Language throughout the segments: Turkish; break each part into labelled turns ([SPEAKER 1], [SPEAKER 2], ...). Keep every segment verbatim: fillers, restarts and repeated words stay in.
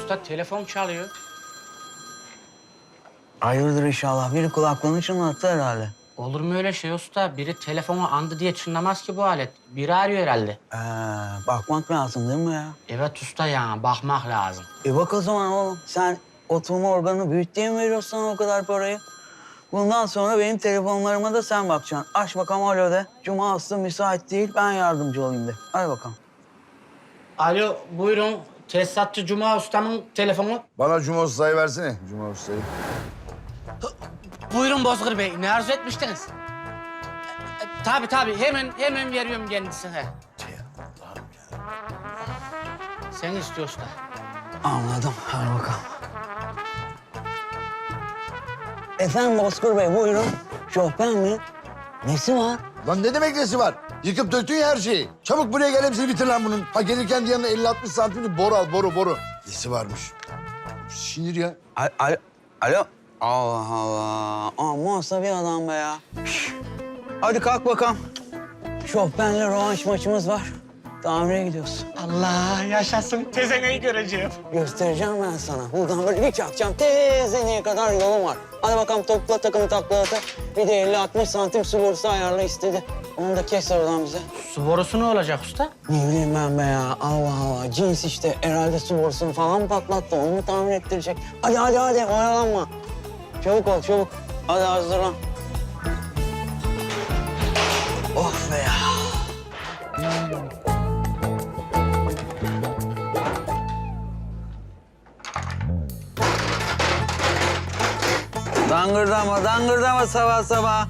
[SPEAKER 1] usta telefon çalıyor.
[SPEAKER 2] Hayırdır inşallah. Biri kulaklığını çınlattı herhalde.
[SPEAKER 1] Olur mu öyle şey usta? Biri telefonu andı diye çınlamaz ki bu alet. Biri arıyor herhalde.
[SPEAKER 2] Ee, bakmak lazım değil mi ya?
[SPEAKER 1] Evet usta ya, bakmak lazım.
[SPEAKER 2] E bak o zaman oğlum. Sen oturma organı büyüt diye mi veriyorsun sana o kadar parayı? Bundan sonra benim telefonlarıma da sen bakacaksın. Aç bakalım alo de. Cuma aslı müsait değil, ben yardımcı olayım de. Hadi bakalım.
[SPEAKER 1] Alo, buyurun. Tesisatçı Cuma ustamın telefonu.
[SPEAKER 3] Bana Cuma Usta'yı versene. Cuma Usta'yı.
[SPEAKER 1] Buyurun Bozkır Bey, ne arzu etmiştiniz? E, e, tabii tabii, hemen hemen veriyorum kendisine. Sen istiyor usta.
[SPEAKER 2] Anladım. Hadi bakalım. Efendim Bozkır Bey, buyurun. Şofben mi? Nesi var?
[SPEAKER 3] Lan ne demek nesi var? Yıkıp döktün ya her şeyi. Çabuk buraya gel, hepsini bitir lan bunun. Ha gelirken de yanına elli altmış santimli boru al, boru boru. Nesi varmış? Sinir ya.
[SPEAKER 2] Alo, alo. Alo. Allah Allah. Amma bir adam be ya. Hadi kalk bakalım. Şofbenle rövanş maçımız var. Tamire gidiyoruz.
[SPEAKER 1] Allah yaşasın, tezeneyi göreceğim.
[SPEAKER 2] Göstereceğim ben sana. Buradan böyle bir çakacağım. Tezeneye kadar yolum var. Hadi bakalım topla takımı takla ata. Bir de elli altmış santim su borusu ayarla istedi. Onu da kes oradan bize.
[SPEAKER 1] Su borusu ne olacak usta?
[SPEAKER 2] Ne bileyim ben be ya. Allah Allah. Cins işte. Herhalde su borusunu falan mı patlattı? Onu mu tamir ettirecek? Hadi hadi hadi. Oyalanma. Çabuk ol çabuk. Hadi hazırlan. Of be ya. Dangırdama, dangırdama sabah sabah.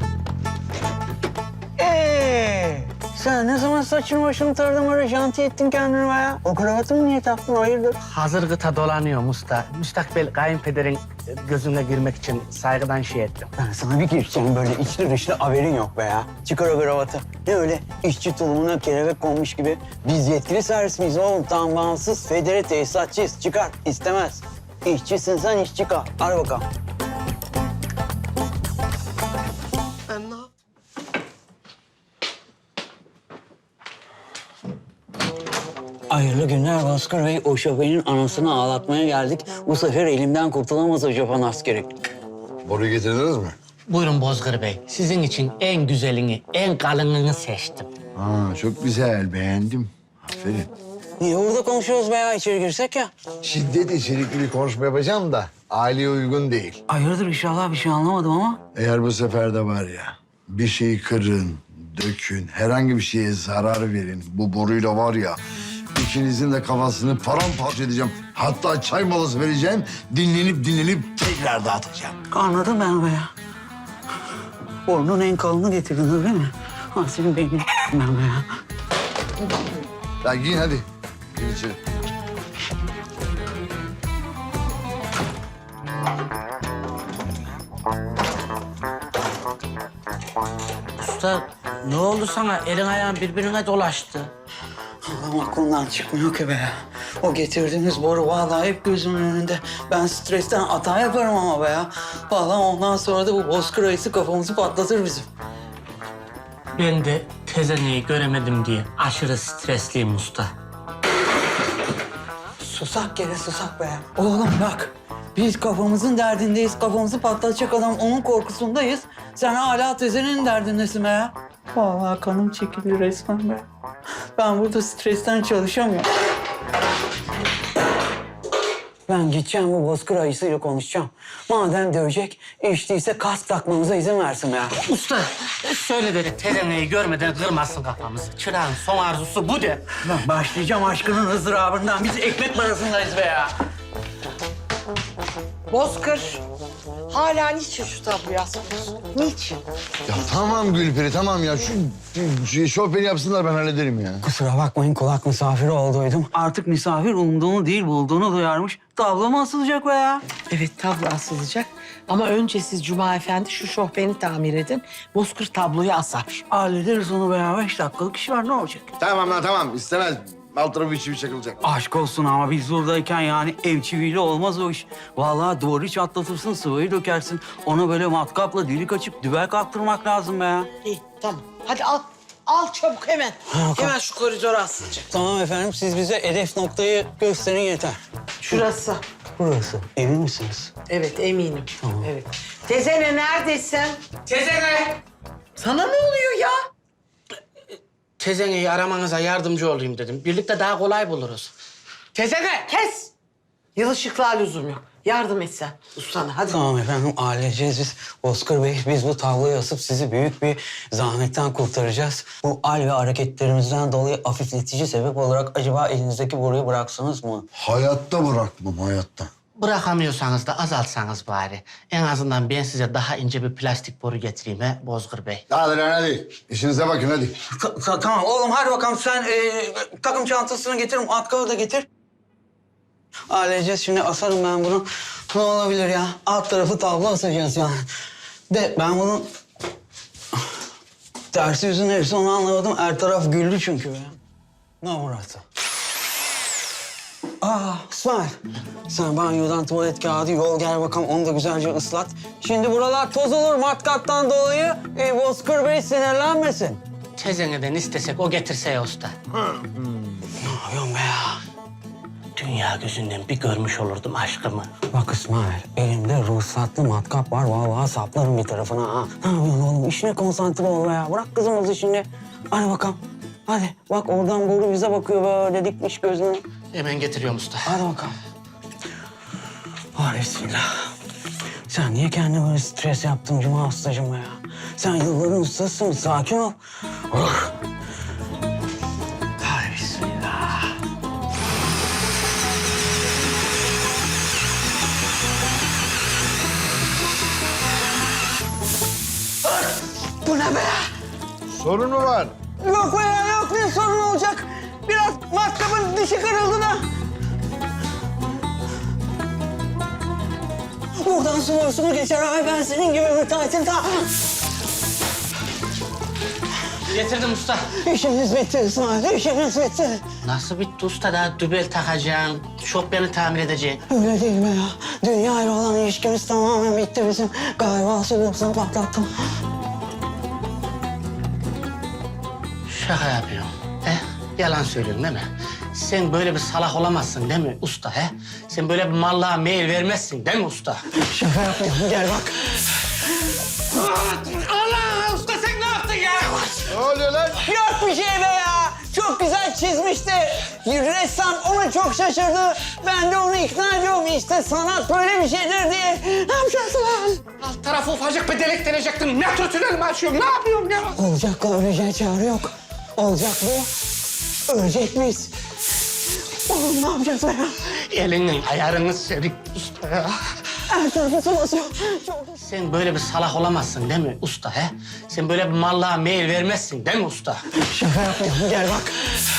[SPEAKER 2] Ee, sen ne zaman saçını başını taradın öyle janti ettin kendini be ya? O kravatını niye taktın, hayırdır?
[SPEAKER 1] Hazır gıta dolanıyorum usta. Müstakbel kayınpederin gözüne girmek için saygıdan şey ettim.
[SPEAKER 2] Ben sana bir gireceğim böyle içli dışlı haberin yok be ya. Çıkar o kravatı. Ne öyle işçi tulumuna kelebek konmuş gibi. Biz yetkili servis miyiz oğlum? Tam bağımsız federe tesisatçıyız. Çıkar, istemez. İşçisin sen, işçi kal. Hadi bakalım. Hayırlı günler Bozkır Bey. O şoförün anasını ağlatmaya geldik. Bu sefer elimden kurtulamaz o Japon askeri.
[SPEAKER 3] Boruyu getirdiniz mi?
[SPEAKER 1] Buyurun Bozkır Bey. Sizin için en güzelini, en kalınını seçtim.
[SPEAKER 3] Aa, çok güzel, beğendim. Aferin.
[SPEAKER 2] Niye burada konuşuyoruz be ya? İçeri girsek ya.
[SPEAKER 3] Şiddet içerikli bir konuşma yapacağım da aileye uygun değil.
[SPEAKER 2] Hayırdır inşallah bir şey anlamadım ama.
[SPEAKER 3] Eğer bu sefer de var ya, bir şeyi kırın, dökün, herhangi bir şeye zarar verin. Bu boruyla var ya, ikinizin de kafasını paramparça edeceğim. Hatta çay molası vereceğim, dinlenip dinlenip tekrar dağıtacağım.
[SPEAKER 2] Anladım ben be ya. Borunun en kalını getirdin öyle mi? Ha senin beynin ben be ya.
[SPEAKER 3] Lan giyin hadi. Giyin içeri.
[SPEAKER 1] Usta ne oldu sana? Elin ayağın birbirine dolaştı.
[SPEAKER 2] Allah'ım aklımdan çıkmıyor ki be ya. O getirdiğiniz boru vallahi hep gözümün önünde. Ben stresten hata yaparım ama be ya. Vallahi ondan sonra da bu bozkır ayısı kafamızı patlatır bizim.
[SPEAKER 1] Ben de tezeneyi göremedim diye aşırı stresliyim usta.
[SPEAKER 2] Susak gene susak be ya. Oğlum bak. Biz kafamızın derdindeyiz. Kafamızı patlatacak adam onun korkusundayız. Sen hala tezenin derdindesin be ya. Vallahi kanım çekildi resmen be. Ben burada stresten çalışamıyorum. Ben gideceğim bu bozkır ayısıyla konuşacağım. Madem dövecek, içtiyse kask takmamıza izin versin be ya.
[SPEAKER 1] Usta söyle dedi tezeneyi görmeden kırmasın kafamızı. Çırağın son arzusu bu de.
[SPEAKER 2] Ben başlayacağım aşkının ızdırabından. Biz ekmek parasındayız be ya.
[SPEAKER 4] Bozkır, hala niçin şu tabloyu asmıyorsun? Niçin?
[SPEAKER 3] Ya tamam Gülperi, tamam ya. Şu, şu şofbeni yapsınlar, ben hallederim ya.
[SPEAKER 2] Kusura bakmayın kulak misafiri olduydum. Artık misafir umduğunu değil bulduğunu duyarmış. Tablo mu asılacak be ya?
[SPEAKER 4] Evet, tablo asılacak. Ama önce siz Cuma Efendi şu şofbeni tamir edin. Bozkır tabloyu asar.
[SPEAKER 2] Hallederiz onu be ya. Beş dakikalık iş var ne olacak?
[SPEAKER 3] Tamam lan tamam, istemez. Alt tarafı içi bir çakılacak.
[SPEAKER 2] Aşk olsun ama biz buradayken yani ev çiviyle olmaz o iş. Vallahi duvarı çatlatırsın, sıvayı dökersin. Ona böyle matkapla delik açıp dübel kaptırmak lazım be ya.
[SPEAKER 4] İyi, tamam. Hadi al. Al çabuk hemen. Hemen şu koridora asılacak.
[SPEAKER 2] Tamam efendim siz bize hedef noktayı gösterin yeter.
[SPEAKER 4] Şurası.
[SPEAKER 5] Burası. Emin misiniz?
[SPEAKER 4] Evet eminim. Evet. Tezene neredesin?
[SPEAKER 1] Tezene!
[SPEAKER 4] Sana ne oluyor ya?
[SPEAKER 1] Tezene'yi aramanıza yardımcı olayım dedim. Birlikte daha kolay buluruz. Tezene!
[SPEAKER 4] Kes. Yılışıklığa lüzum yok. Yardım et sen ustana hadi.
[SPEAKER 5] Tamam efendim, halledeceğiz biz. Bozkır Bey, biz bu tabloyu asıp sizi büyük bir zahmetten kurtaracağız. Bu al ve hareketlerimizden dolayı hafifletici sebep olarak acaba elinizdeki boruyu bıraksanız mı?
[SPEAKER 3] Hayatta bırakmam, hayatta.
[SPEAKER 1] Bırakamıyorsanız da azaltsanız bari. En azından ben size daha ince bir plastik boru getireyim he Bozkır Bey.
[SPEAKER 3] Hadi lan hadi. İşinize bakın hadi.
[SPEAKER 5] Ta- ta- tamam oğlum, hadi bakalım sen e, takım çantasını getir, atkalı da getir. Halledeceğiz, şimdi asarım ben bunu. Ne olabilir ya? Alt tarafı tablo asacağız yani. De ben bunu... Tersi yüzü neresi onu anlamadım. Her taraf güldü çünkü ya. Ne burası? Aa İsmail, sen banyodan tuvalet kağıdı yol gel bakalım, onu da güzelce ıslat. Şimdi buralar toz olur matkaptan dolayı. E, Bozkır Bey sinirlenmesin.
[SPEAKER 1] Tezene'den istesek o getirse ya usta.
[SPEAKER 5] Ne yapıyorsun be ya?
[SPEAKER 1] Dünya gözünden bir görmüş olurdum aşkımı.
[SPEAKER 5] Bak İsmail, elimde ruhsatlı matkap var. Vallahi saplarım bir tarafına ha. Ne yapıyorsun oğlum? İşine konsantre ol be ya. Bırak kızımızı şimdi. Hadi bakalım. Hadi. Bak oradan boru bize bakıyor böyle dikmiş gözünü.
[SPEAKER 1] Hemen getiriyorum usta.
[SPEAKER 5] Hadi bakalım. Var bismillah. Sen niye kendine böyle stres yaptın Cuma ustacığım ya? Sen yılların ustasısın. Sakin ol. Oh. Hadi bismillah.
[SPEAKER 4] Bu ne be?
[SPEAKER 3] Sorun mu var?
[SPEAKER 5] Yok be ya, yok, ne sorun olacak? Biraz matkapın dişi kırıldı da. Buradan su borusunu geçer abi, ben senin gibi müteahhitim ta.
[SPEAKER 1] Getirdim usta.
[SPEAKER 5] İşimiz bitti İsmail, işimiz bitti.
[SPEAKER 1] Nasıl bitti usta? Daha dübel takacaksın, şofbeni tamir edeceksin.
[SPEAKER 5] Öyle değil mi ya? Dünya ile olan ilişkimiz tamamen bitti bizim. Galiba su borusunu patlattım.
[SPEAKER 1] Şaka yapıyorum. He? Yalan söylüyorsun değil mi? Sen böyle bir salak olamazsın değil mi usta he? Sen böyle bir mallığa meyil vermezsin değil mi usta?
[SPEAKER 5] Şaka yapıyorum, gel bak.
[SPEAKER 1] Allah! Usta sen ne yaptın ya?
[SPEAKER 3] Ne oluyor lan?
[SPEAKER 5] Yok bir şey be ya. Çok güzel çizmişti. Ressam ona çok şaşırdı. Ben de onu ikna ediyorum işte sanat böyle bir şeydir diye. Ne yapacağız lan?
[SPEAKER 1] Alt tarafı ufacık bir delik deneyecektim. Metro tünel mi açıyorum? Ne yapıyorum ya?
[SPEAKER 5] Olacakla öleceğe çare yok. Olacak bu. Ölecek miyiz? Oğlum ne yapacağız be ya?
[SPEAKER 1] Elinin ayarını sevdik usta ya.
[SPEAKER 5] Her tarafı su basıyor. Çok...
[SPEAKER 1] Sen böyle bir salak olamazsın değil mi usta he? Sen böyle bir mallığa meyil vermezsin değil mi usta?
[SPEAKER 5] Şaka yapıyorum, gel bak.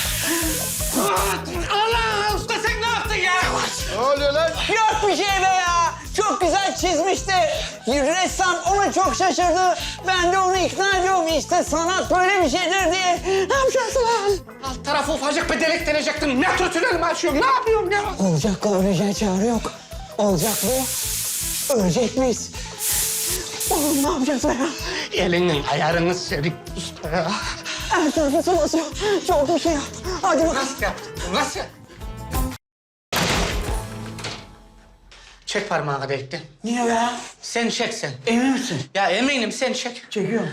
[SPEAKER 1] Allah! Usta sen ne yaptın ya?
[SPEAKER 3] Ne oluyor lan?
[SPEAKER 5] Yok bir şey be ya. Çok güzel çizmişti. Ressam ona çok şaşırdı. Ben de onu ikna ediyorum işte sanat böyle bir şeydir diye. Ne yapacağız lan?
[SPEAKER 1] Alt tarafı ufacık bir delik deneyecektim. Metro tünel mi açıyorum? Ne yapıyorum ya?
[SPEAKER 5] Olacakla öleceğe çare yok. Olacak bu. Ölecek miyiz? Oğlum ne yapacağız be ya?
[SPEAKER 1] Elinin ayarını sevdik usta ya.
[SPEAKER 5] Her tarafı su basıyor. Çok bir şey yap. Hadi bakalım.
[SPEAKER 1] Nasıl yaptın? Nasıl? Çek parmağını bekle.
[SPEAKER 5] Niye be?
[SPEAKER 1] Sen çek sen.
[SPEAKER 5] Emin misin?
[SPEAKER 1] Ya eminim sen çek.
[SPEAKER 5] Çekiyorum.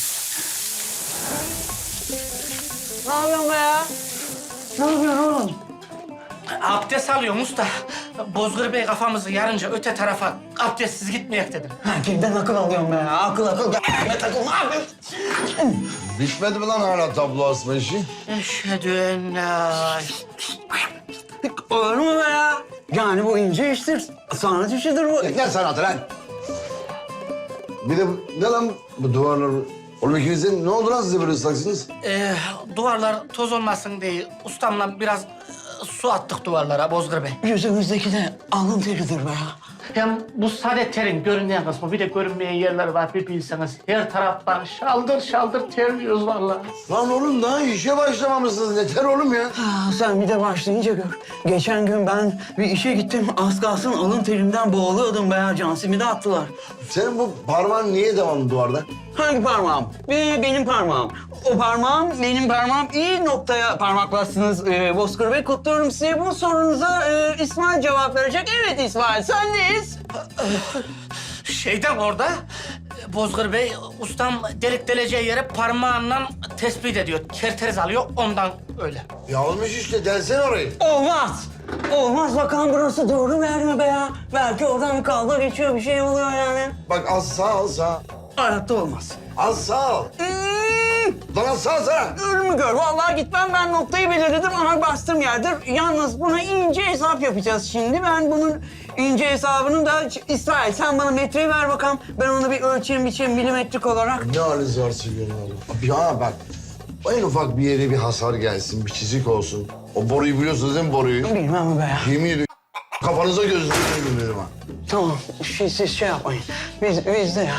[SPEAKER 5] Ne yapıyorsun be ya? Ne yapıyorsun oğlum?
[SPEAKER 1] Abdest alıyorum usta. Bozgır Bey kafamızı yarınca öte tarafa abdestsiz gitmeyek dedim.
[SPEAKER 5] Ha, kimden akıl alıyorsun be ya? Akıl akıl. Gel takıl, ne yapıyorsun?
[SPEAKER 3] Bitmedi mi lan hala tablo asma işi?
[SPEAKER 1] Eşhedü en la...
[SPEAKER 5] Olur mu be ya? Yani bu ince iştir. Sanat işidir bu.
[SPEAKER 3] Ne sanatı lan? Bir de bu- ne lan bu duvarlar? Oğlum ikinizin ne oldu lan size böyle ıslaksınız?
[SPEAKER 1] Ee, duvarlar toz olmasın diye ustamla biraz e, su attık duvarlara Bozgır Bey.
[SPEAKER 5] Yüzümüzdeki de alın teridir be ya.
[SPEAKER 1] Hem bu sade terin görünen kısmı bir de görünmeyen yerler var bir bilseniz. Her taraftan şaldır şaldır terliyoruz vallahi.
[SPEAKER 3] Lan oğlum daha işe başlamamışsınız. Yeter oğlum ya.
[SPEAKER 5] Ha, sen bir de başlayınca gör. Geçen gün ben bir işe gittim. Az kalsın alın terimden boğuluyordum be ya. Cansim'i de attılar.
[SPEAKER 3] Senin bu parmağın niye devamlı duvarda?
[SPEAKER 5] Hangi parmağım? Ee, benim parmağım. O parmağım, benim parmağım. İyi noktaya parmaklarsınız ee, Bozkır Bey. Kutluyorum sizi. Bu sorunuza e, İsmail cevap verecek. Evet İsmail, sendeyiz.
[SPEAKER 1] Şeyden orada Bozkır Bey ustam delik deleceği yere parmağından tespit ediyor. Kerteriz alıyor ondan öyle.
[SPEAKER 3] Ya olmuş işte, delsene orayı.
[SPEAKER 5] Olmaz. Olmaz. Bakalım burası doğru verme be ya. Belki oradan bir kavga geçiyor, bir şey oluyor yani.
[SPEAKER 3] Bak az sağ al sağ.
[SPEAKER 5] Hayatta olmaz.
[SPEAKER 3] Az sağ al.
[SPEAKER 5] Hmm.
[SPEAKER 3] Lan az sağ sağ.
[SPEAKER 5] Ölümü gör. Vallahi gitmem, ben noktayı belirledim ama bastığım yerdir. Yalnız buna ince hesap yapacağız şimdi. Ben bunun ince hesabını da... İsmail sen bana metreyi ver bakalım. Ben onu bir ölçeyim, biçeyim milimetrik olarak.
[SPEAKER 3] Ne haliniz var söylüyorum oğlum. Ya bak, en ufak bir yere bir hasar gelsin, bir çizik olsun. O boruyu biliyorsunuz değil mi, boruyu?
[SPEAKER 5] Bilmem mi be ya?
[SPEAKER 3] Yemin ediyorum kafanıza gözünüze gülüyorum ha.
[SPEAKER 5] Tamam, şey, siz şey yapmayın. Biz, biz de ya.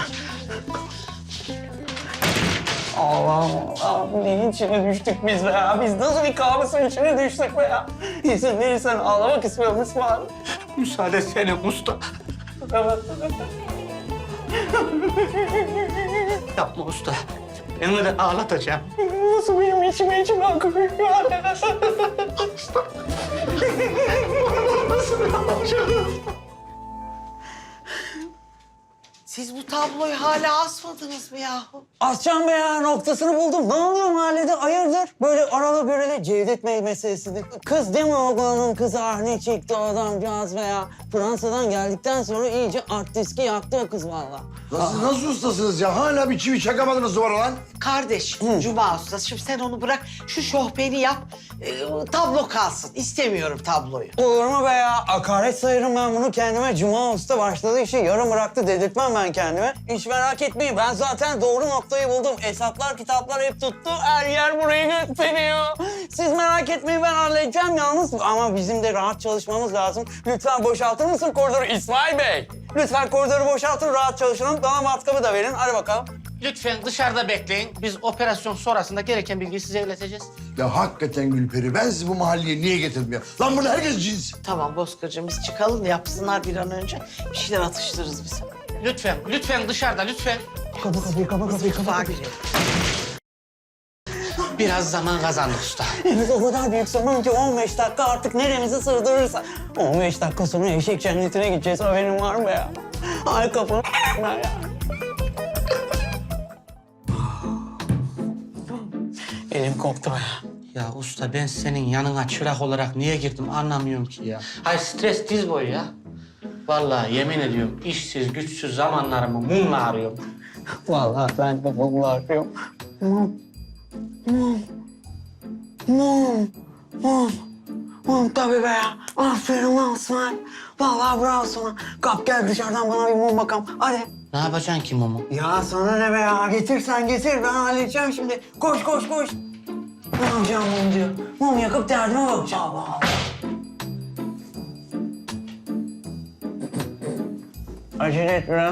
[SPEAKER 5] Allah Allah, neyin içine düştük biz be ya? Biz nasıl bir kabusun içine düştük be ya? İzin verirsen ağlamak istiyorum İsmail.
[SPEAKER 1] Müsaade senin usta. Yapma usta. Beni de ağlatacağım.
[SPEAKER 5] Nasıl benim içime içime akıyor?
[SPEAKER 4] Siz bu tabloyu hala asmadınız mı yahu?
[SPEAKER 5] Ascan be ya, noktasını buldum. Ne oluyor mahallede? Hayırdır? Böyle arada görele Cevdet Bey meselesini. Kız değil mi oğlanın kızı? Ah ne çekti o adamcağız be ya. Fransa'dan geldikten sonra iyice art diski yaktı o kız vallahi.
[SPEAKER 3] Nasıl, nasıl ustasınız ya? Hala bir çivi çakamadınız duvara lan.
[SPEAKER 4] Kardeş, Cuma ustası. Şimdi sen onu bırak, şu şohbeni yap. e, tablo kalsın. İstemiyorum tabloyu.
[SPEAKER 5] Olur mu be ya? Hakaret sayarım ben bunu kendime. Cuma Usta başladığı işi yarım bıraktı dedirtmem ben kendime. Hiç merak etmeyin, ben zaten doğru noktayı buldum. Hesaplar, kitaplar hep tuttu. Her yer burayı gösteriyor. Siz merak etmeyin, ben halledeceğim yalnız. Ama bizim de rahat çalışmamız lazım. Lütfen boşaltır mısın koridoru İsmail Bey? Lütfen koridoru boşaltın, rahat çalışalım. Bana matkabı da verin. Hadi bakalım.
[SPEAKER 1] Lütfen dışarıda bekleyin. Biz operasyon sonrasında gereken bilgiyi size ileteceğiz.
[SPEAKER 3] Ya hakikaten Gülperi, ben sizi bu mahalleye niye getirdim ya? Lan burada herkes cins.
[SPEAKER 4] Tamam Bozkır'cığım, biz çıkalım da yapsınlar bir an önce. Bir şeyler atıştırırız biz.
[SPEAKER 1] Lütfen, lütfen dışarıda lütfen.
[SPEAKER 5] Kapa kapıyı, kapa kapıyı, kapa
[SPEAKER 4] Mutfağa
[SPEAKER 5] kapıyı.
[SPEAKER 4] girelim.
[SPEAKER 1] Biraz zaman kazandık usta.
[SPEAKER 5] Henüz o kadar büyük sorun ki on beş dakika artık neremizi sığdırırsa. on beş dakika sonra eşek cennetine gideceğiz, haberin var mı ya? Ay kafam ya. Elim koptu ya.
[SPEAKER 1] Ya usta ben senin yanına çırak olarak niye girdim anlamıyorum ki ya. Hayır stres diz boyu ya. Vallahi yemin ediyorum işsiz güçsüz zamanlarımı mumla arıyorum.
[SPEAKER 5] Vallahi ben de bunu arıyorum. Mum. Mum. Mum. Mum. Mum tabii be ya. Aferin lan İsmail. Vallahi bravo sana. Kalk gel dışarıdan bana bir mum bakalım. Hadi.
[SPEAKER 1] Ne yapacaksın ki mumu?
[SPEAKER 5] Ya sana ne be ya? Getir sen getir. Ben halledeceğim şimdi. Koş koş koş. Ne yapacağım mum diyor. Mum yakıp derdime bakacağım. Allah Allah. Acele et biraz.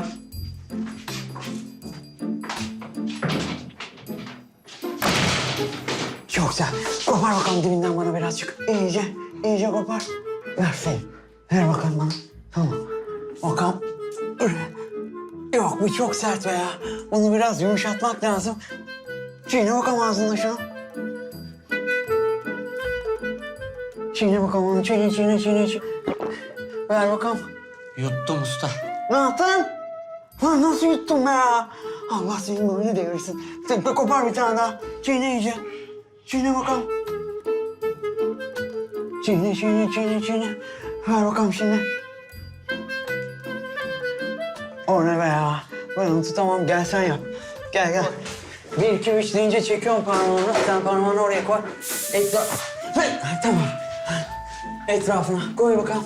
[SPEAKER 5] Çok güzel. Kopar bakalım dibinden bana birazcık. İyice, iyice kopar. Ver sen. Ver bakalım bana. Tamam. Bakalım. Yok bu çok sert be ya. Bunu biraz yumuşatmak lazım. Çiğne bakalım ağzında şunu. Çiğne bakalım onu. Çiğne, çiğne, çiğne, çiğne. Ver bakalım.
[SPEAKER 1] Yuttum usta.
[SPEAKER 5] Ne yaptın? Lan nasıl yuttun be ya? Allah senin böyle devirsin. Sen de kopar bir tane daha. Çiğne iyice. Çiğne bakalım. Çiğne, çiğne, çiğne, çiğne. Ver bakalım şimdi. O ne be ya? Ben onu tutamam. Gel sen yap. Gel, gel. Bir, iki, üç deyince çekiyorum parmağını. Sen parmağını oraya koy. Etraf... Ha, tamam. Etrafına koy bakalım.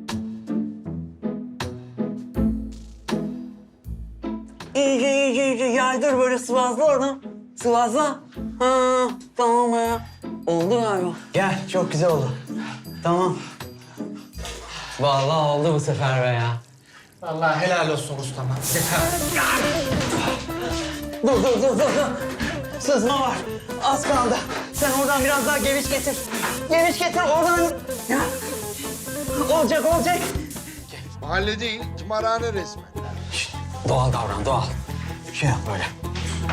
[SPEAKER 5] İyice, iyice, iyice yaydır böyle sıvazla oradan. Sıvazla. Ha, tamam ya. Oldu galiba. Gel, çok güzel oldu. Tamam. Vallahi oldu bu sefer be ya.
[SPEAKER 1] Vallahi helal olsun ustama.
[SPEAKER 5] Dur, dur, dur, dur, dur. Sızma var. Az kaldı. Sen oradan biraz daha geviş getir. Geviş getir oradan. Ya. Olacak, olacak.
[SPEAKER 3] Mahalle değil, tımarhane resmen.
[SPEAKER 5] Doğal davran, doğal. Şey yap böyle.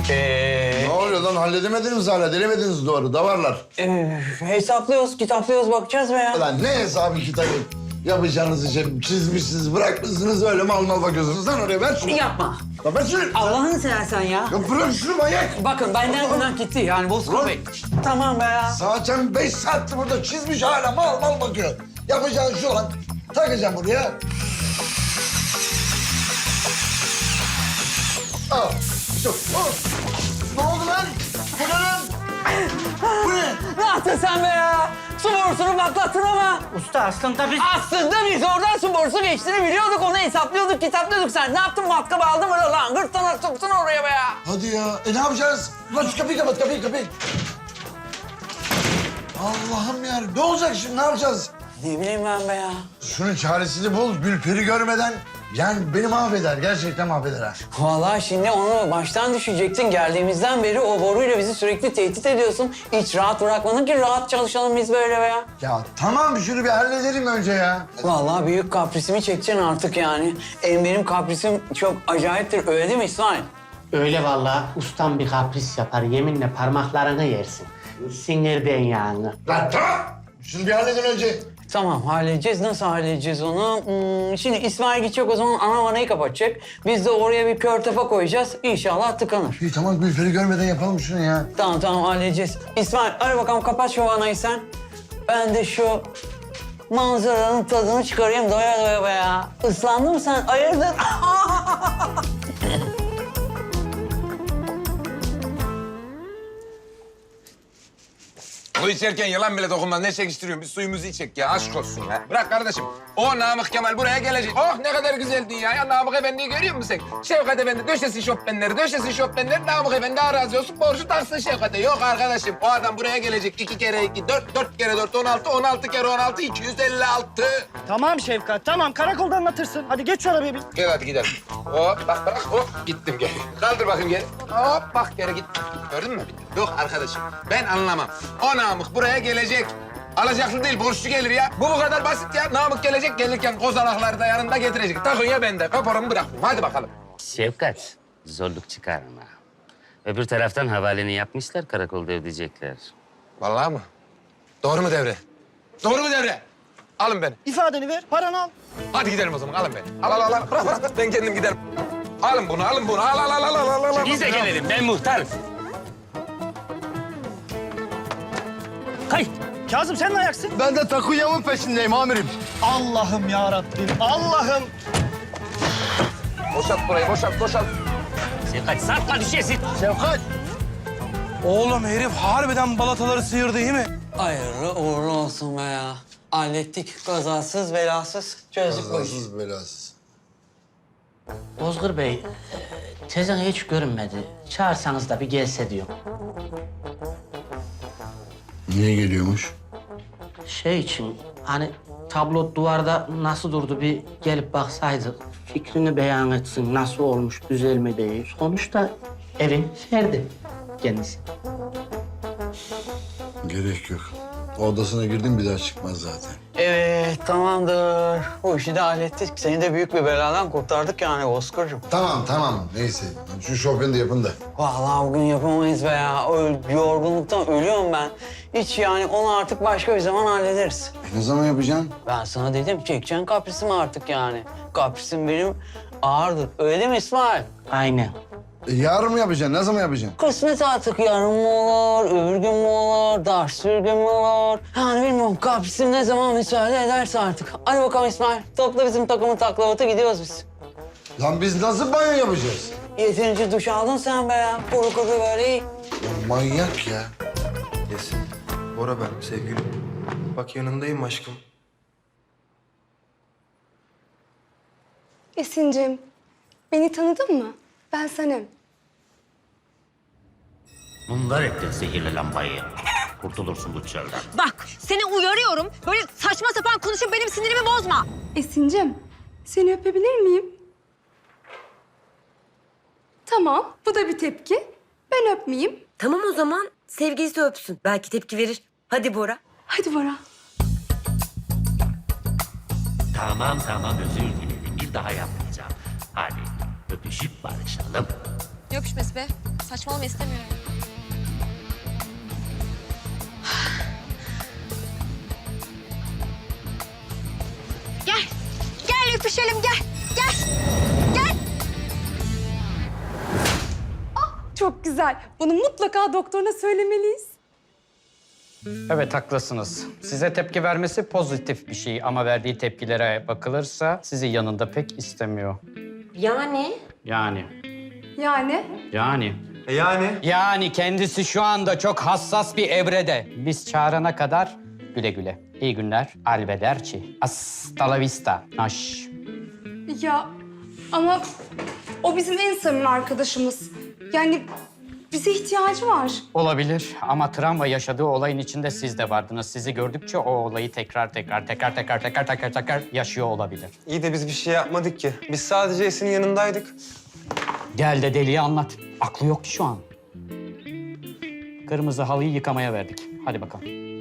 [SPEAKER 5] Ee,
[SPEAKER 3] Ne oluyor lan? Halledemediniz hala. Denemediniz doğru. Davarlar.
[SPEAKER 5] e, hesaplıyoruz, kitaplıyoruz, bakacağız be ya.
[SPEAKER 3] Lan ne hesabı kitabı? Yapacağınız şey çizmişsiniz, bırakmışsınız öyle mal mal bakıyorsunuz. Lan oraya ver şunu.
[SPEAKER 5] Yapma.
[SPEAKER 3] Lan ver şunu.
[SPEAKER 5] Allah'ını seversen ya.
[SPEAKER 3] Ya bırak şunu manyak.
[SPEAKER 5] Bakın benden günah gitti yani Bozkır Bey. Tamam be ya.
[SPEAKER 3] Saçam beş saattir burada çizmiş hala mal mal bakıyor. Yapacağın şu lan. Takacağım buraya. Al. İşte, al. Ne oldu lan? Bu ne lan? Bu ne?
[SPEAKER 5] Ne yaptın sen be ya? Su borusunu patlattın ama.
[SPEAKER 1] Usta aslında biz...
[SPEAKER 5] Aslında biz oradan su borusu geçtiğini biliyorduk. Onu hesaplıyorduk, kitaplıyorduk. Sen ne yaptın? Matkabı aldın mı lan? Gırtlana soktun oraya be ya.
[SPEAKER 3] Hadi ya. E ne yapacağız? Lan şu kapıyı kapat, kapıyı, kapıyı. Allah'ım ya. Ne olacak şimdi? Ne yapacağız?
[SPEAKER 5] Ne bileyim ben be ya.
[SPEAKER 3] Şunun çaresini bul. Gülperi görmeden. Yani beni mahveder. Gerçekten mahveder ha.
[SPEAKER 5] Vallahi şimdi onu baştan düşecektin. Geldiğimizden beri o boruyla bizi sürekli tehdit ediyorsun. Hiç rahat bırakmadın ki rahat çalışalım biz böyle be ya.
[SPEAKER 3] Ya tamam şunu bir halledelim önce ya.
[SPEAKER 5] Vallahi büyük kaprisimi çekeceksin artık yani. Em benim kaprisim çok acayiptir. Öyle değil mi İsmail?
[SPEAKER 1] Öyle vallahi ustam bir kapris yapar. Yeminle parmaklarını yersin. Sinirden yani.
[SPEAKER 3] Lan tamam. Şunu bir halledin önce.
[SPEAKER 5] Tamam halledeceğiz. Nasıl halledeceğiz onu? Hmm, şimdi İsmail gidecek o zaman ana vanayı kapatacak. Biz de oraya bir kör tepe koyacağız. İnşallah tıkanır.
[SPEAKER 3] İyi tamam Gülperi görmeden yapalım şunu ya.
[SPEAKER 5] Tamam tamam halledeceğiz. İsmail hadi bakalım kapat şu vanayı sen. Ben de şu manzaranın tadını çıkarayım doya doya be ya. Islandın mı sen? Hayırdır?
[SPEAKER 6] Su içerken yılan bile dokunmaz. Ne çekiştiriyorsun? Bir suyumuzu içek ya. Aşk olsun ya. Bırak kardeşim. O Namık Kemal buraya gelecek. Oh ne kadar güzel dünya ya. Namık Efendi'yi görüyor musun sen? Şevkat Efendi döşesin şofbenleri, döşesin şofbenleri. Namık Efendi arazi olsun, borcu taksın Şevkat'e. Yok arkadaşım. O adam buraya gelecek. İki kere iki, dört, dört kere dört, on altı, on altı kere on altı, iki yüz elli altı.
[SPEAKER 7] Tamam Şefkat, tamam. Karakolda anlatırsın. Hadi geç şu arabaya bir.
[SPEAKER 6] Gel hadi gidelim. Hop bak bak hop gittim geri. Kaldır bakayım geri. Hop bak geri gittim. Gördün mü? Yok arkadaşım ben anlamam. O Namık buraya gelecek. Alacaklı değil borçlu gelir ya. Bu bu kadar basit ya. Namık gelecek gelirken kozalakları da yanında getirecek. Takunya bende. Kaporamı bırakmıyorum. Hadi bakalım.
[SPEAKER 8] Şefkat, zorluk çıkarma. Öbür taraftan havaleni yapmışlar, karakolda ödeyecekler.
[SPEAKER 6] Vallahi mı? Doğru mu devre? Doğru mu devre? Alın beni.
[SPEAKER 7] İfadeni ver, paranı al.
[SPEAKER 6] Hadi gidelim o zaman. Alın beni. Al al al. al. Bırak bırak. bırak. Ben kendim giderim. Alın bunu, alın bunu. Al al al al al al. al.
[SPEAKER 8] Biz de gelelim, ben muhtarım.
[SPEAKER 7] Kay. Kazım sen ne ayaksın?
[SPEAKER 3] Ben de Takunya'nın peşindeyim amirim.
[SPEAKER 7] Allah'ım ya Rabbim, Allah'ım.
[SPEAKER 6] Boşalt burayı, boşalt, boşalt.
[SPEAKER 8] Şefkat, sarkma düşesin.
[SPEAKER 3] Şevkat.
[SPEAKER 9] Oğlum herif harbiden balataları sıyırdı değil mi?
[SPEAKER 5] Hayırlı uğurlu olsun be ya. Hallettik. Kazasız belasız çözdük bu işi.
[SPEAKER 3] Kazasız belasız.
[SPEAKER 1] Bozgur Bey, tezen hiç görünmedi. Çağırsanız da bir gelse diyor.
[SPEAKER 3] Niye geliyormuş?
[SPEAKER 1] Şey için, hani tablo duvarda nasıl durdu bir gelip baksaydı. Fikrini beyan etsin, nasıl olmuş, güzel mi değil. Sonuçta evin ferdi kendisi.
[SPEAKER 3] Gerek yok. Odasına girdim bir daha çıkmaz zaten.
[SPEAKER 5] Evet tamamdır. Bu işi de hallettik. Seni de büyük bir beladan kurtardık yani Bozkır'cığım.
[SPEAKER 3] Tamam tamam neyse. Şu şofbeni de yapın da.
[SPEAKER 5] Vallahi bugün yapamayız be ya. Öl, yorgunluktan ölüyorum ben. Hiç yani onu artık başka bir zaman hallederiz.
[SPEAKER 3] E, ne zaman yapacaksın?
[SPEAKER 5] Ben sana dedim çekeceksin kaprisimi artık yani. Kaprisim benim ağırdır. Öyle değil mi İsmail?
[SPEAKER 1] Aynen.
[SPEAKER 3] E, yarın mı yapacaksın? Ne zaman yapacaksın?
[SPEAKER 5] Kısmet artık yarın mı olur, öbür gün mü olur, ders bir gün mü olur? Yani bilmiyorum kaprisim ne zaman müsaade ederse artık. Hadi bakalım İsmail. Topla bizim takımın taklavatı gidiyoruz biz.
[SPEAKER 3] Lan biz nasıl banyo yapacağız?
[SPEAKER 5] Yeterince duş aldın sen be ya. Kuru kuru böyle iyi.
[SPEAKER 3] Ya manyak ya.
[SPEAKER 9] Esin, Bora ben sevgilim. Bak yanındayım aşkım.
[SPEAKER 10] Esin'cim, beni tanıdın mı? Ben Sanem.
[SPEAKER 8] Bunlar ettin sihirli lambayı. Kurtulursun bu çölden.
[SPEAKER 11] Bak seni uyarıyorum. Böyle saçma sapan konuşup benim sinirimi bozma.
[SPEAKER 10] Esin'cim, seni öpebilir miyim? Tamam, bu da bir tepki. Ben öpmeyeyim.
[SPEAKER 11] Tamam o zaman sevgilisi öpsün. Belki tepki verir. Hadi Bora.
[SPEAKER 10] Hadi Bora.
[SPEAKER 8] Tamam tamam özür dilerim. Bir daha yapmayacağım. Hadi öpüşüp barışalım.
[SPEAKER 11] Ne öpüşmesi be? Saçmalama istemiyorum. Gel. Gel öpüşelim gel. Gel. Gel.
[SPEAKER 10] Çok güzel. Bunu mutlaka doktoruna söylemeliyiz.
[SPEAKER 12] Evet haklısınız. Size tepki vermesi pozitif bir şey ama verdiği tepkilere bakılırsa sizi yanında pek istemiyor.
[SPEAKER 11] Yani?
[SPEAKER 12] Yani,
[SPEAKER 10] Yani?
[SPEAKER 12] yani.
[SPEAKER 9] E yani?
[SPEAKER 12] Yani kendisi şu anda çok hassas bir evrede. Biz çağırana kadar güle güle. İyi günler. Arrivederci. Hasta la vista. Naş.
[SPEAKER 10] Ya ama o bizim en samimi arkadaşımız. Yani bize ihtiyacı var.
[SPEAKER 12] Olabilir ama travma yaşadığı olayın içinde siz de vardınız. Sizi gördükçe o olayı tekrar tekrar tekrar tekrar tekrar tekrar tekrar yaşıyor olabilir.
[SPEAKER 9] İyi de biz bir şey yapmadık ki. Biz sadece Esin'in yanındaydık.
[SPEAKER 12] Gel de deliye anlat. Aklı yok ki şu an. Kırmızı halıyı yıkamaya verdik. Hadi bakalım.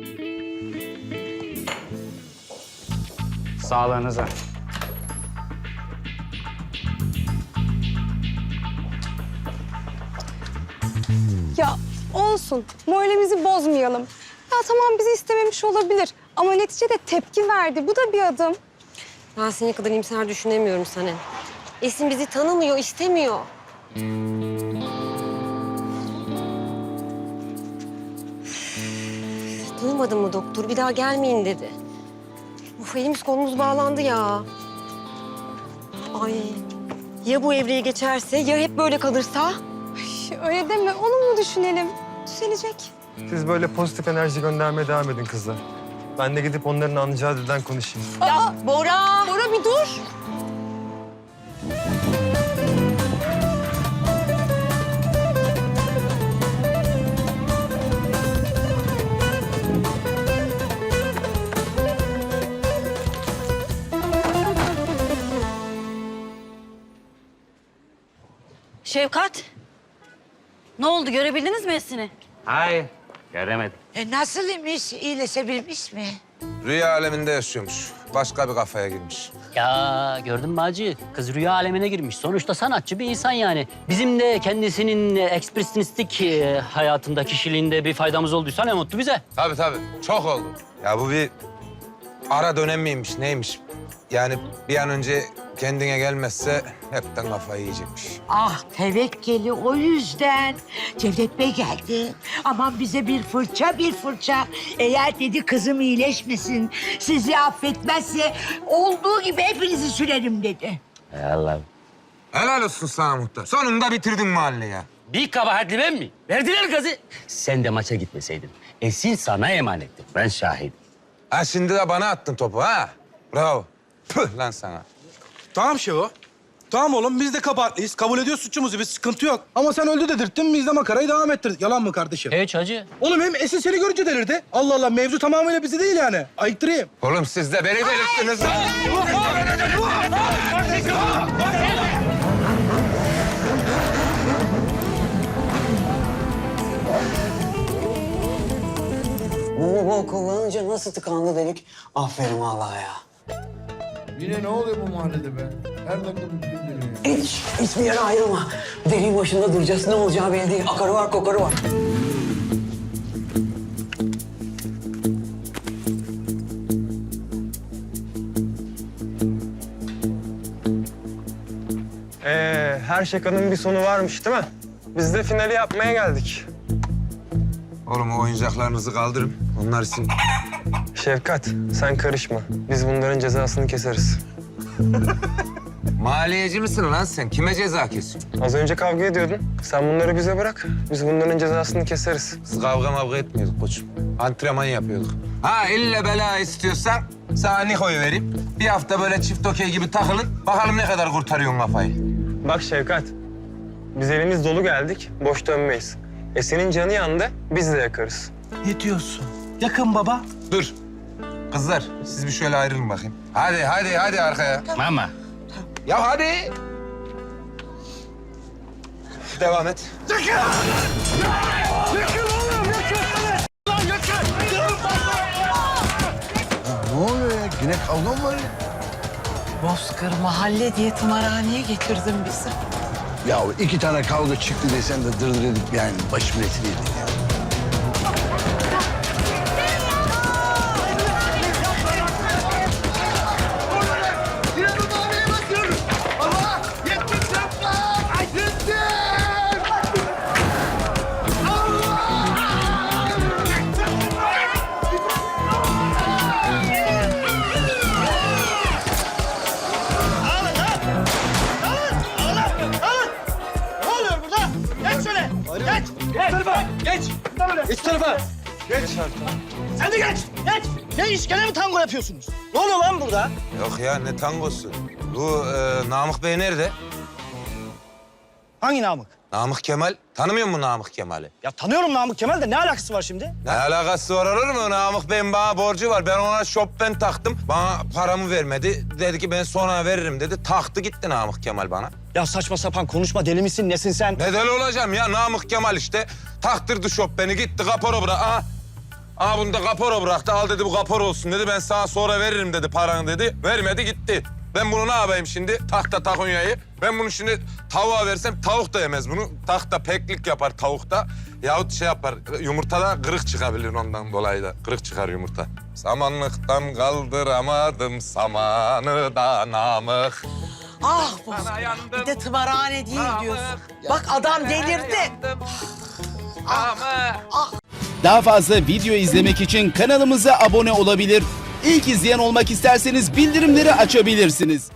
[SPEAKER 12] Sağlığınıza.
[SPEAKER 10] Ya olsun. Moralimizi bozmayalım. Ya tamam bizi istememiş olabilir. Ama neticede tepki verdi. Bu da bir adım.
[SPEAKER 11] Ben senin kadar iyimser düşünemiyorum Sanem. Esin bizi tanımıyor, istemiyor. Duymadın mı doktor? Bir daha gelmeyin dedi. Uf elimiz kolumuz bağlandı ya. Ay ya bu evreyi geçerse, ya hep böyle kalırsa?
[SPEAKER 10] Ay, öyle deme. Olumlu düşünelim. Düzelecek.
[SPEAKER 9] Siz böyle pozitif enerji göndermeye devam edin kızlar. Ben de gidip onların anlayacağı dilden konuşayım.
[SPEAKER 11] Ya Bora!
[SPEAKER 10] Bora bir dur.
[SPEAKER 11] Şevkat, ne oldu? Görebildiniz mi Esin'i?
[SPEAKER 8] Hayır, göremedim.
[SPEAKER 4] E nasıl imiş? İyileşebilmiş mi?
[SPEAKER 6] Rüya aleminde yaşıyormuş. Başka bir kafaya girmiş.
[SPEAKER 7] Ya gördün mü Hacı? Kız rüya alemine girmiş. Sonuçta sanatçı bir insan yani. Bizim de kendisinin ekspresyonistik e, hayatında, kişiliğinde bir faydamız olduysa ne mutlu bize.
[SPEAKER 6] Tabii tabii. Çok oldu. Ya bu bir ara dönem miymiş, neymiş? Yani bir an önce kendine gelmezse hepten kafayı yiyecekmiş.
[SPEAKER 4] Ah tevekkeli o yüzden. Cevdet Bey geldi. Aman bize bir fırça bir fırça. Eğer dedi kızım iyileşmesin, sizi affetmezse olduğu gibi hepinizi sürerim dedi.
[SPEAKER 8] Hay Allah.
[SPEAKER 6] Helal olsun sana muhtar. Sonunda bitirdin mahalleyi ya.
[SPEAKER 7] Bir kabahatli ben mi? Verdiler gazı. Sen de maça gitmeseydin. Esin sana emanetti. Ben şahidim.
[SPEAKER 6] Ha şimdi de bana attın topu ha. Bravo. Püh lan sana.
[SPEAKER 13] Tamam Şevo. Tamam oğlum biz de kabahatliyiz. Kabul ediyoruz suçumuzu. Bir sıkıntı yok. Ama sen öldü dedirttin. Biz de makarayı devam ettirdik. Yalan mı kardeşim?
[SPEAKER 7] Hiç Hacı.
[SPEAKER 13] Oğlum hem Esin seni görünce delirdi. Allah Allah mevzu tamamıyla bizi değil yani. Ayıktırayım.
[SPEAKER 6] Oğlum siz de beni delirttiniz lan.
[SPEAKER 5] Bu bol kullanınca nasıl tıkandı delik? Aferin vallahi ya.
[SPEAKER 3] Yine ne oluyor bu mahallede be? Her dakika bir film dönüyor.
[SPEAKER 5] Hiç, hiçbir yere ayrılma. Deliğin başında duracağız. Ne olacağı belli değil. Akarı var, kokarı var.
[SPEAKER 9] Ee, her şakanın bir sonu varmış değil mi? Biz de finali yapmaya geldik.
[SPEAKER 6] Oğlum o oyuncaklarınızı kaldırın. Onlar için.
[SPEAKER 9] Şevkat, sen karışma. Biz bunların cezasını keseriz.
[SPEAKER 6] Maliyeci misin lan sen? Kime ceza kesiyorsun?
[SPEAKER 9] Az önce kavga ediyordun. Sen bunları bize bırak. Biz bunların cezasını keseriz.
[SPEAKER 6] Biz kavga mavga etmiyorduk koçum. Antrenman yapıyorduk. Ha ille bela istiyorsan sana Niko'yu vereyim. Bir hafta böyle çift okey gibi takılın. Bakalım ne kadar kurtarıyorsun kafayı.
[SPEAKER 9] Bak Şevkat, biz elimiz dolu geldik, boş dönmeyiz. E senin canı yandı, biz de yakarız.
[SPEAKER 13] Ne diyorsun? Yakın baba.
[SPEAKER 6] Dur. Kızlar siz bir şöyle ayrılın bakayım. Hadi hadi hadi arkaya.
[SPEAKER 8] Mama.
[SPEAKER 6] Ya hadi. Devam et.
[SPEAKER 3] Ne oluyor ya? Yine kavga mı var ya?
[SPEAKER 4] Bozkır mahalle diye tımarhaneye getirdin bizi.
[SPEAKER 3] Ya iki tane kavga çıktı desen de dırdır edip yani başımın etini yedin ya.
[SPEAKER 6] Yok ya ne tangosu? Bu e, Namık Bey nerede?
[SPEAKER 14] Hangi Namık?
[SPEAKER 6] Namık Kemal. Tanımıyor musun Namık Kemal'i?
[SPEAKER 14] Ya tanıyorum Namık Kemal de ne alakası var şimdi?
[SPEAKER 6] Ne alakası var olur mu? Namık Bey'in bana borcu var. Ben ona Chopin taktım. Bana paramı vermedi. Dedi ki ben sonra veririm dedi. Taktı gitti Namık Kemal bana.
[SPEAKER 14] Ya saçma sapan konuşma, deli misin nesin sen?
[SPEAKER 6] Ne deli olacağım ya? Namık Kemal işte. Taktırdı Chopin'i gitti kapora bırak. Aha. Aha bunu da kapora bıraktı. Al dedi bu kapor olsun dedi. Ben sana sonra veririm dedi paranı dedi. Vermedi gitti. Ben bunu ne yapayım şimdi? Tahta takunyayı. Ben bunu şimdi tavuğa versem tavuk da yemez bunu. Tahta peklik yapar tavukta. Yahut şey yapar yumurtada kırık çıkabilir ondan dolayı da. Kırık çıkar yumurta. Samanlıktan kaldıramadım samanı da Namık.
[SPEAKER 4] Ah Bozkır. Bir de tımarhane değil diyorsun. Bak adam delirdi.
[SPEAKER 15] Daha fazla video izlemek için kanalımıza abone olabilir. İlk izleyen olmak isterseniz bildirimleri açabilirsiniz.